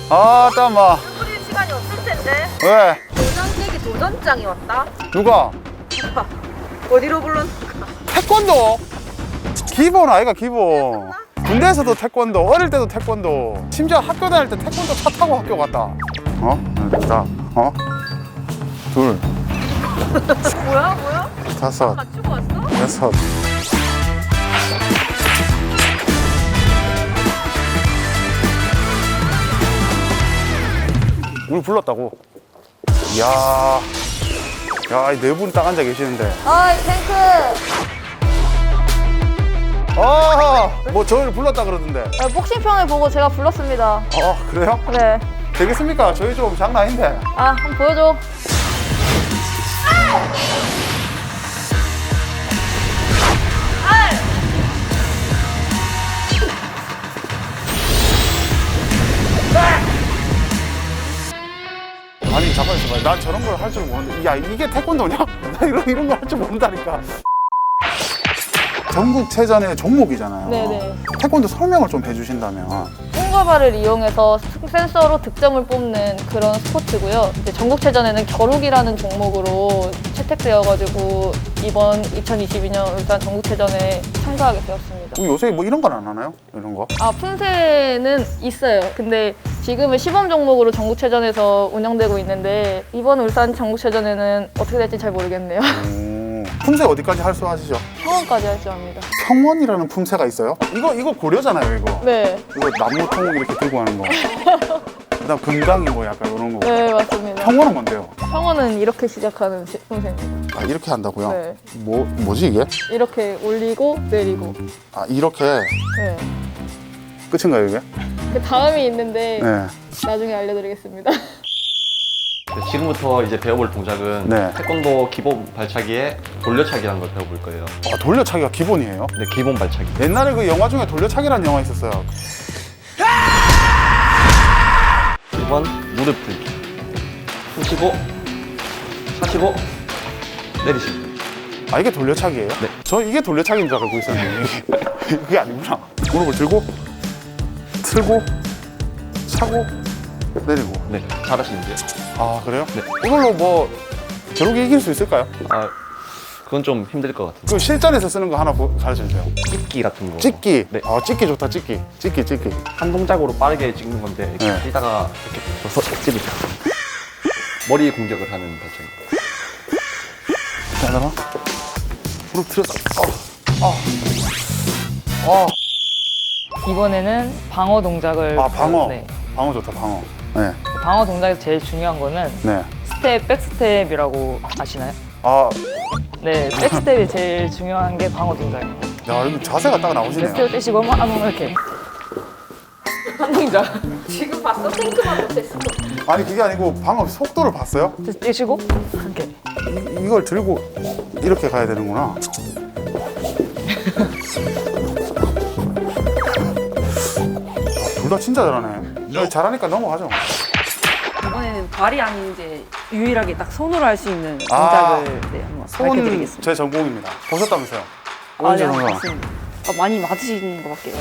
아, 땀아. 뿌릴 시간이 없을 텐데. 왜? 도전깨기 도전장이 왔다. 누가? 오빠 어디로 불렀는가? 태권도? 기본 아이가 기본. 군대에서도 태권도, 어릴 때도 태권도. 심지어 학교 다닐 때 태권도 차 타고 학교 갔다. 자, 둘, 뭐야? 다섯, 맞추고 왔어? 여섯. 우리 불렀다고. 이야, 야, 이 네 분 딱 앉아 계시는데. 어이 탱크. 뭐 저희를 불렀다 그러던데. 복싱편을 보고 제가 불렀습니다. 그래요? 네. 되겠습니까? 저희 좀 장난 아닌데. 한번 보여줘. 아니, 잠깐 있어봐. 난 저런 걸 할 줄 모르는데. 야, 이게 태권도냐? 나 이런 걸 할 줄 모른다니까. 전국체전의 종목이잖아요. 네네. 태권도 설명을 좀 해주신다면. 손과발을 이용해서 센서로 득점을 뽑는 그런 스포츠고요. 이제 전국체전에는 겨루기라는 종목으로 채택되어가지고 이번 2022년 울산 전국체전에 참가하게 되었습니다. 요새 뭐 이런 건 안 하나요? 이런 거? 품새는 있어요. 근데 지금은 시범 종목으로 전국체전에서 운영되고 있는데 이번 울산 전국체전에는 어떻게 될지 잘 모르겠네요. 품새 어디까지 할 수 하시죠? 평원까지 할 줄 압니다. 평원이라는 품새가 있어요? 이거 고려잖아요, 이거. 네. 이거 나무통 이렇게 들고 하는 거. 그다음 금강이 뭐 약간 이런 거. 네, 맞습니다. 평원은 뭔데요? 평원은 이렇게 시작하는 품새입니다. 이렇게 한다고요? 네. 뭐지 이게? 이렇게 올리고 내리고. 이렇게 네. 끝인가요, 이게? 그 다음이 있는데 네. 나중에 알려드리겠습니다. 지금부터 이제 배워볼 동작은 네. 태권도 기본 발차기에 돌려차기라는 걸 배워볼 거예요. 돌려차기가 기본이에요? 네, 기본 발차기. 옛날에 그 영화 중에 돌려차기라는 영화 있었어요. 1번 무릎 들기. 푸시고 차시고 내리시고. 이게 돌려차기예요? 네. 저 이게 돌려차기인 줄 알고 있었는데 그게 아니구나. 무릎을 들고 틀고 차고 내리고. 네, 잘하시는데요. 그래요? 네. 이걸로 뭐 겨루기 이길 수 있을까요? 그건 좀 힘들 것 같아요. 그 실전에서 쓰는 거 하나 가르쳐 주세요. 찍기 같은 거. 찍기. 네. 찍기 좋다. 찍기. 한 동작으로 빠르게 찍는 건데 이렇게 네. 뛰다가 이렇게 서 찌르죠. 머리 공격을 하는 발차기. 하나. 무릎 틀었다. 이번에는 방어 동작을 방어. 네. 방어 좋다. 방어. 네. 방어 동작에서 제일 중요한 거는 네. 스텝, 백스텝이라고 아시나요? 네, 백스텝이 제일 중요한 게 방어 동작이에요. 야, 여기 자세가 딱 나오시네요. 스텝 떼시고 한번 이렇게 한 동작 지금 봤어? 탱크만 못했어. 아니 그게 아니고 방금 속도를 봤어요? 떼시고 이렇게 이걸 들고 이렇게 가야 되는구나. 둘 다 진짜 잘하네. 잘하니까 넘어가죠. 이번에는 발이 아닌 이제 유일하게 딱 손으로 할 수 있는 동작을 한번 손 밝혀드리겠습니다. 제 전공입니다. 보셨다면서요? 네, 언제 전공? 맞습니다. 많이 맞으시는 것 같아요.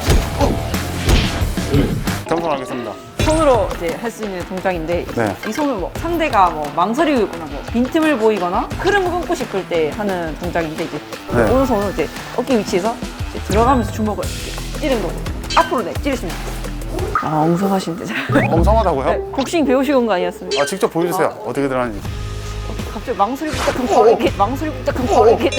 겸손하겠습니다. 손으로 이제 할 수 있는 동작인데 네. 이 손을 뭐 상대가 망설이고 있거나 빈틈을 보이거나 흐름을 끊고 싶을 때 하는 동작인데 이제 네. 오른손으로 이제 어깨 위치에서 이제 들어가면서 주먹을 이렇게 찌르는 거고 앞으로 찌르시면 돼요. 엉성하신데 잘. 엉성하다고요? 네, 복싱 배우신 거 아니었습니까? 직접 보여주세요. 어떻게 들어가는지. 갑자기 망설이고 시작하면 바로 이렇게 망설이고 시작하면 바로 이렇게.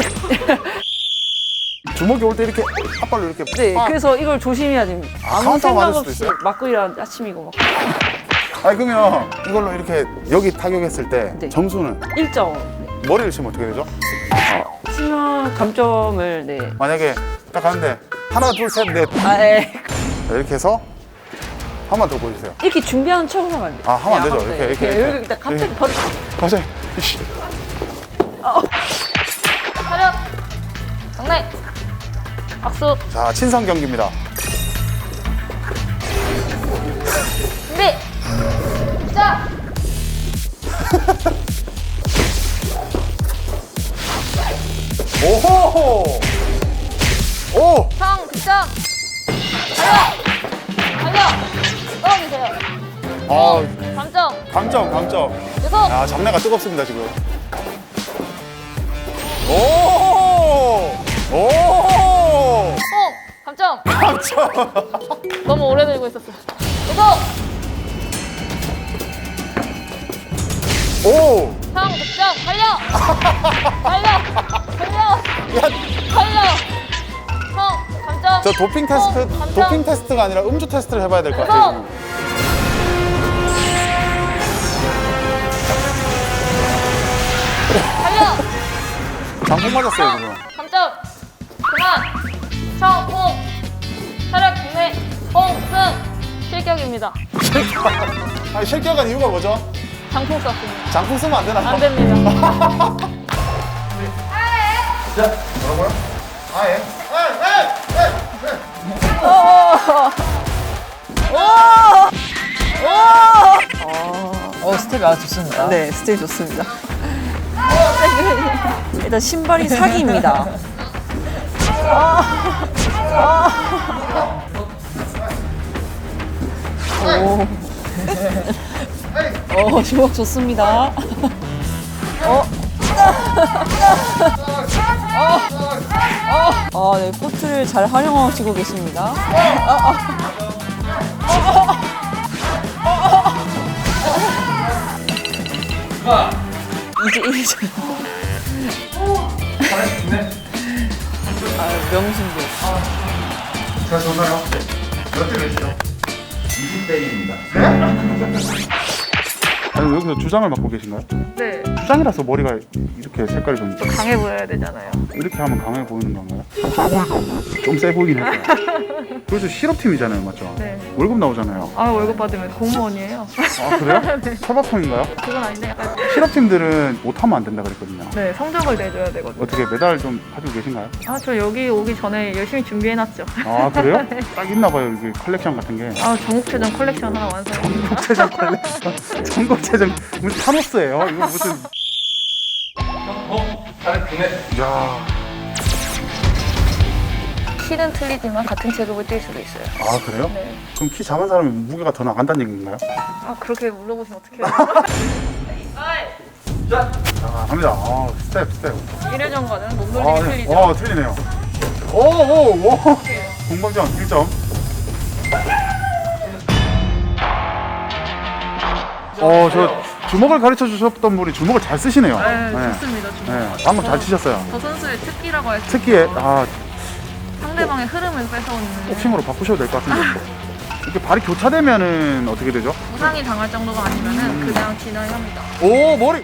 주먹이 올 때 이렇게 앞발로 이렇게. 네, 빡! 그래서 이걸 조심해야 됩니다. 아무 카운터 생각 맞을 수도 없이 있어요? 맞고 일어나는 아침이고 막. 그러면 이걸로 이렇게 여기 타격했을 때 네. 점수는 1점. 머리를 치면 어떻게 되죠? 치면 감점을 네. 만약에 딱 가는데 하나 둘 셋 넷 네. 이렇게 해서 한 번 더 보여주세요. 이렇게 준비하는 척을 하면 안 돼요. 하면 안 되죠. 그냥 이렇게. 여기 딱 갑자기 이렇게. 버리. 갑자기. 이씨. 차렷. 장난. 박수. 자, 친선 경기입니다. 준비. 시작. 오호! 오! 득점. 달려. 떨어지세요. 감점. 감점. 계속. 아, 잡내가 뜨겁습니다, 지금. 오! 감점. 감점. 너무 오래 들고 있었어. 계속. 오! 형 득점. 달려. 형 감점. 저 도핑 테스트, 감점. 도핑 테스트가 아니라 음주 테스트를 해봐야 될 것 계속. 같아요. 달려. 장풍 맞았어요, 형 지금. 감점. 그만. 형 차렷 국내 홍승 실격입니다. 아니, 실격한 이유가 뭐죠? 장풍 썼습니다. 장풍 쓰면 안 되나요? 안 됩니다. 뭐라고요? 아예? 스텝이 아주 좋습니다. 네, 스텝 좋습니다. 일단 신발이 사기입니다. 주먹 좋습니다. 네, 코트를 잘 활용하시고 계십니다. 이제 명승부. 제가 전화요. 몇 대 몇이죠? 20대 1입니다. 아니, 여기서 주장을 맡고 계신가요? 네. 주장이라서 머리가 이렇게 색깔이 좀 강해 보여야 되잖아요. 이렇게 하면 강해 보이는 건가요? 좀 세 보이긴 했어요. 그래서 실업팀이잖아요, 맞죠? 네. 월급 나오잖아요. 아 월급 받으면 공무원이에요. 아, 그래요? 탈바꿈인가요? 그건 아닌데 약간 실업팀들은 못하면 안 된다 그랬거든요. 네 성적을 내줘야 되거든요. 어떻게 메달 좀 가지고 계신가요? 아 저 여기 오기 전에 열심히 준비해놨죠. 아, 그래요? 딱 있나 봐요, 이게 컬렉션 같은 게. 아 전국체전 컬렉션 하나 완성했습니다. 전국체전 컬렉션. 전국체전 무슨 타노스예요? 이거 무슨. 야. 키는 틀리지만 같은 체급을 뛸 수도 있어요. 아, 그래요? 네. 그럼 키 작은 사람이 무게가 더 나간다는 얘기인가요? 아 그렇게 물어보시면 어떡해요? 자, 갑니다. 아, 스텝. 1회전과는 아, 몸놀림이 네. 틀리죠. 틀리네요. 오. 공방전 1점. 저 주먹을 가르쳐 주셨던 분이 주먹을 잘 쓰시네요. 네, 좋습니다. 네, 방금 잘 치셨어요. 저 선수의 특기라고 할 수 특기에 있어요. 상대방의 흐름을 뺏어오는 복싱으로 바꾸셔도 될 것 같은데. 이렇게 발이 교차되면은 어떻게 되죠? 부상이 당할 정도가 아니면은 그냥 진행합니다. 오, 머리.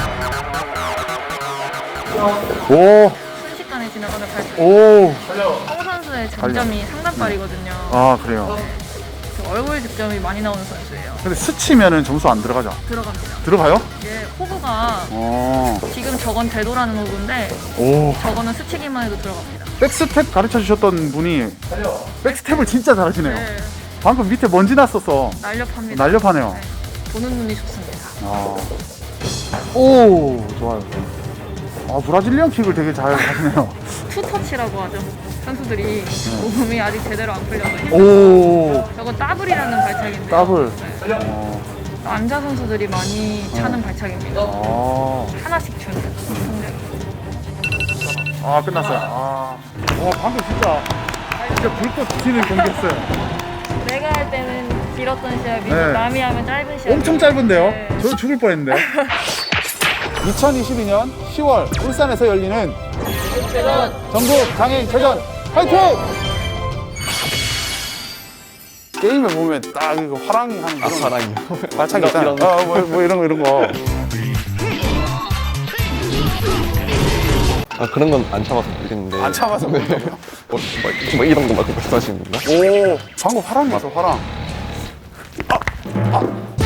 오. 순식간에 지나가는 발표. 오. 홍 선수의 장점이 상단발이거든요. 아, 그래요. 그 얼굴 득점이 많이 나오는 선수예요. 근데 스치면은 점수 안 들어가죠? 들어갑니다. 들어가요? 이게 호구가 어. 지금 저건 대도라는 호구인데 오. 저거는 스치기만 해도 들어갑니다. 백스텝 가르쳐 주셨던 분이 백스텝을 진짜 잘하시네요. 네, 방금 밑에 먼지 났어서 날렵합니다. 날렵하네요. 네, 보는 눈이 좋습니다. 아. 오, 좋아요. 아, 브라질리언 킥을 되게 잘 하시네요. 투터치라고 하죠. 선수들이 몸이 아직 제대로 안 풀려서 오, 저건 따블이라는 발차기인데요. 더블. 네. 남자 선수들이 많이 차는 발차기입니다. 아, 하나씩 주는 상대로. 아, 끝났어요. 아, 방금 진짜 불꽃 튀는 경기였어요. 내가 할 때는 길었던 시합이 네. 남이 하면 짧은 시합. 엄청 짧은데요? 네. 저 죽을 뻔했는데. 2022년 10월 울산에서 열리는 전국 장애인체전 화이팅! 게임에 보면 딱 이거 화랑이 하는 그런 사랑이요. 발차기 있잖아요. 뭐 이런 거. 그런 건 안 참아서 모르겠는데. 안 참아서 네. 뭐 이런 거 말고 말씀하시는 건가? 오, 방금 화랑이었어, 화랑.